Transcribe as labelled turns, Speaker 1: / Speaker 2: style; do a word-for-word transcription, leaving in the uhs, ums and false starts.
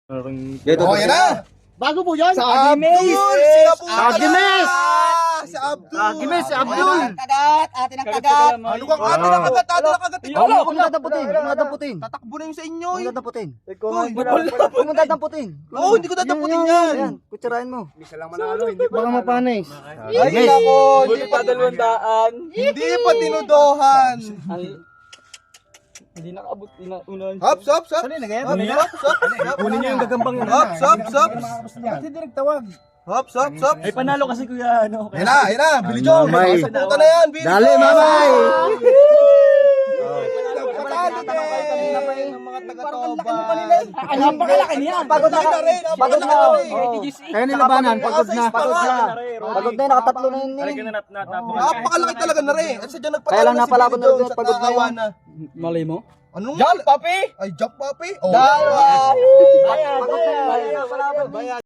Speaker 1: Oh, yan na!
Speaker 2: Bago po yan?
Speaker 3: Sa
Speaker 1: Abdul!
Speaker 3: Agimes!
Speaker 1: Sinabutan
Speaker 2: Agimes!
Speaker 1: na! Si Abdul!
Speaker 2: Agimes, si Abdul!
Speaker 3: Kagat! Atin ang kagat!
Speaker 1: Ano kang atin ang kagat? Atin ang kagat!
Speaker 2: Huwag mo kung dadaputin, huwag mo dadaputin.
Speaker 1: Tatakbo na yung sa inyo
Speaker 2: Huwag
Speaker 1: eh!
Speaker 2: mo dadaputin.
Speaker 1: Uy,
Speaker 2: Huwag mo dadaputin.
Speaker 1: Oo, hindi ko dadaputin yan!
Speaker 2: Ayan, kutsarain mo.
Speaker 3: Baka mapanis.
Speaker 1: Ay, nako! Hindi pa
Speaker 4: dalawandaan.
Speaker 1: Hindi pa tinudohan!
Speaker 4: Hindi nakaabot. Unahan.
Speaker 1: Hops, hops, hops!
Speaker 3: Sali na ganyan?
Speaker 1: Hops, hops, hops!
Speaker 4: Kunin niyo yung gagambang yun.
Speaker 1: Hops, hops, hops!
Speaker 3: Ba't hindi nagtawag?
Speaker 1: Hops, hops, hops!
Speaker 4: Ay, panalo kasi kuya. Ano?
Speaker 1: Yan na, yan na! Billy Joe!
Speaker 2: Mamay.
Speaker 1: Saputan na yan! Billy
Speaker 2: Dali,
Speaker 1: Joe!
Speaker 2: mamay!
Speaker 1: Patalo din! Ng mga taga-toban!
Speaker 3: Ang napakalaki niya!
Speaker 2: Pagod na,
Speaker 1: Malaki na rin,
Speaker 2: pagod na.
Speaker 1: malaki na rin.
Speaker 2: Oo. Kaya nilabanan, pagod na. Pagod na. Pagod na, nakatatlo na yun eh.
Speaker 1: Napakalaki talaga na rin! At sadya nagpatalo
Speaker 2: Kaya lang
Speaker 1: na si
Speaker 2: napalaban
Speaker 1: Billy Joe
Speaker 2: na rin,
Speaker 1: sa
Speaker 2: pagod na
Speaker 1: kakawa
Speaker 2: yun.
Speaker 1: na.
Speaker 4: Malay mo?
Speaker 1: Anong
Speaker 3: Jump, papi!
Speaker 1: Ay, jump papi! Oh.
Speaker 3: Dalawa!
Speaker 2: Pagod na yun. Palaban.